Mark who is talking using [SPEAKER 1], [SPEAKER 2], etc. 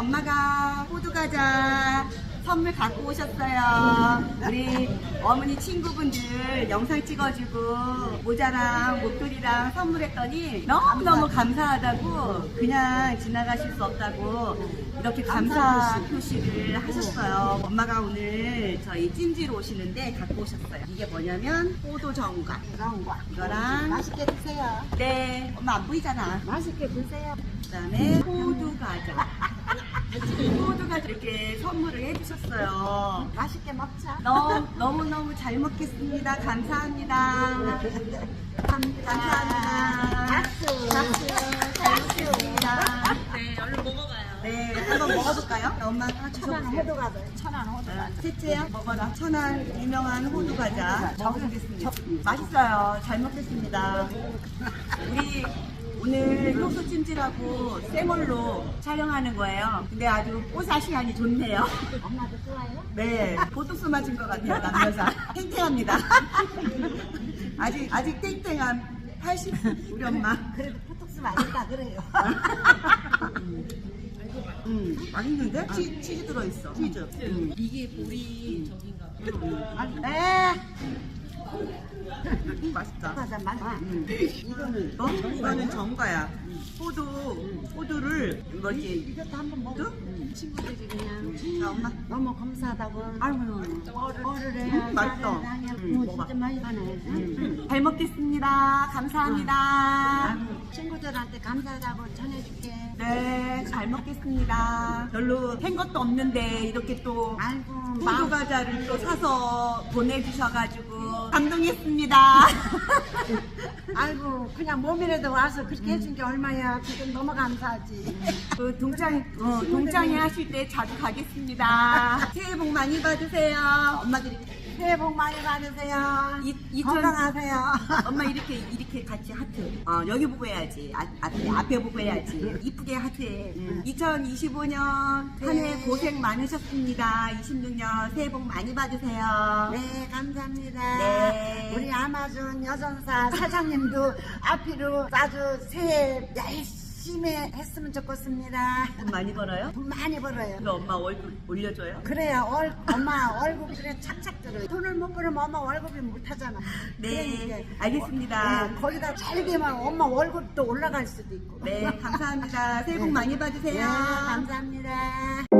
[SPEAKER 1] 엄마가 호두과자 선물 갖고 오셨어요. 우리 어머니 친구분들 영상 찍어주고 모자랑 목도리랑 선물했더니 너무너무 감사하다고 그냥 지나가실 수 없다고 이렇게 감사 표시를 하셨어요. 엄마가 오늘 저희 찜지로 오시는데 갖고 오셨어요. 이게 뭐냐면 호두정과 이거랑
[SPEAKER 2] 맛있게 드세요.
[SPEAKER 1] 네 엄마 안 보이잖아.
[SPEAKER 2] 맛있게 드세요.
[SPEAKER 1] 그 다음에 호두과자 호두과자 이렇게 선물을 해주셨어요.
[SPEAKER 2] 맛있게 먹자.
[SPEAKER 1] 너무너무 잘 먹겠습니다. 감사합니다. 감사합니다.
[SPEAKER 2] 박수.
[SPEAKER 1] 잘 먹겠습니다.
[SPEAKER 3] 네, 얼른 먹어봐요.
[SPEAKER 1] 네, 한번 먹어볼까요? 엄마 하나
[SPEAKER 2] 천안
[SPEAKER 1] 주셔보세요.
[SPEAKER 2] 호두과자. 천안 호두과자.
[SPEAKER 1] 셋째야 먹어라. 천안 유명한 호두과자 먹어보겠습니다. 맛있어요. 잘 먹겠습니다. 우리 오늘 효소 찜질하고 생얼로 촬영하는 거예요. 근데 아주 뽀사시하니 좋네요.
[SPEAKER 2] 엄마도 좋아요?
[SPEAKER 1] 네, 보톡스 맞은 것 같아요, 남여자. 탱탱합니다. 아직 탱탱한 80 우리 엄마.
[SPEAKER 2] 그래도 포톡스 맛있다 그래요.
[SPEAKER 1] 맛있는데? 치즈 들어있어. 치즈.
[SPEAKER 3] 이게 보리 저긴가 봐.
[SPEAKER 2] 네.
[SPEAKER 1] 맛있다.
[SPEAKER 2] 과자 맛있다.
[SPEAKER 1] 이거는 정가야. 호두를 뭐지?
[SPEAKER 2] 이것도 한번 먹어. 친구들이 그냥
[SPEAKER 1] 자, 엄마.
[SPEAKER 2] 너무 감사하다고. 아이고 어를 해.
[SPEAKER 1] 맛있어.
[SPEAKER 2] 진짜 맛있네.
[SPEAKER 1] 잘 먹겠습니다. 감사합니다.
[SPEAKER 2] 친구들한테 감사하다고 전해줄게.
[SPEAKER 1] 네, 잘 먹겠습니다. 별로 한 것도 없는데 이렇게 또
[SPEAKER 2] 아이고
[SPEAKER 1] 호두 과자를 또 사서 보내주셔가지고 감동했습니다.
[SPEAKER 2] 아이고 그냥 몸이라도 와서 그렇게 해준 게 얼마야. 그게 너무 감사하지.
[SPEAKER 1] 그 동창회 하실 때 자주 가겠습니다. 새해 복 많이 받으세요. 엄마들이
[SPEAKER 2] 새해 복 많이 받으세요. 건강하세요.
[SPEAKER 1] 엄마 이렇게 같이 하트. 여기 보고 해야지. 앞에 보고 해야지. 이쁘게 하트해. 2025년 한 해 고생 많으셨습니다. 26년 새해 복 많이 받으세요.
[SPEAKER 2] 네 감사합니다.
[SPEAKER 1] 네.
[SPEAKER 2] 우리 아마존 여전사 사장님도 앞으로 아주 새해 열심히 했으면 좋겠습니다.
[SPEAKER 1] 돈 많이 벌어요?
[SPEAKER 2] 돈 많이 벌어요.
[SPEAKER 1] 그럼 엄마 월급 올려줘요?
[SPEAKER 2] 그래야 엄마 월급이 그래 착착 들어요. 돈을 못 벌으면 엄마 월급이 못 하잖아.
[SPEAKER 1] 네, 알겠습니다.
[SPEAKER 2] 네, 거기다 잘 되면 엄마 월급도 올라갈 수도 있고.
[SPEAKER 1] 네, 감사합니다. 새해 복 많이 받으세요.
[SPEAKER 2] 네, 감사합니다.